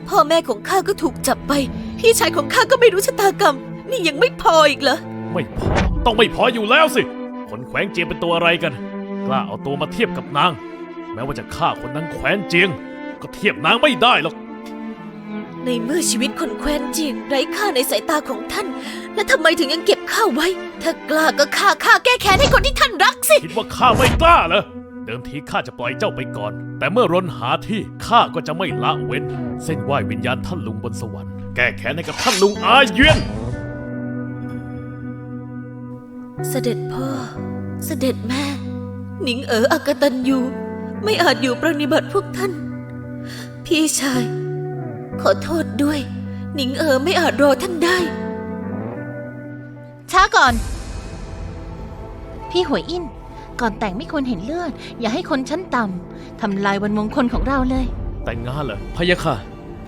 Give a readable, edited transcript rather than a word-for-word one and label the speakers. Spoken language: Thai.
Speaker 1: พ่อแม่ของข้าก็ถูกจับไปพี่ชายของข้าก็ไม่รู้ชะตากรรมนี่ยังไม่พออีกเหรอ
Speaker 2: ไม่พอต้องไม่พออยู่แล้วสิคนแขวงเจียงเป็นตัวอะไรกันกล้าเอาตัวมาเทียบกับนางแม้ว่าจะฆ่าคนนั้นแขวนเจียงก็เทียบนางไม่ได้หรอก
Speaker 1: ในเมื่อชีวิตคนแคว้นเจียงไร้ค่าในสายตาของท่านและทำไมถึงยังเก็บข้าไว้ถ้ากล้าก็ฆ่าแก้แค้นให้คนที่ท่านรักสิ
Speaker 2: คิดว่าข้าไม่กล้าเหรอเดิมทีข้าจะปล่อยเจ้าไปก่อนแต่เมื่อรนหาที่ข้าก็จะไม่ละเว้นเส้นไหว้วิญญาณท่านลุงบนสวรรค์แก้แค้นให้กับท่านลุงอาเยียน
Speaker 1: เสด็จพ่อเสด็จแม่หนิงอกตัญญูไม่อาจอยู่ปรนนิบัติพวกท่านพี่ชายขอโทษด้วยหนิงไม่อาจรอท่านได้
Speaker 3: ช้าก่อนพี่หวยอินก่อนแต่งไม่ควรเห็นเลือดอย่าให้คนชั้นต่ำทำลายวันมงคลของเราเลย
Speaker 2: แต่งงานเหรอพะยะค่ะ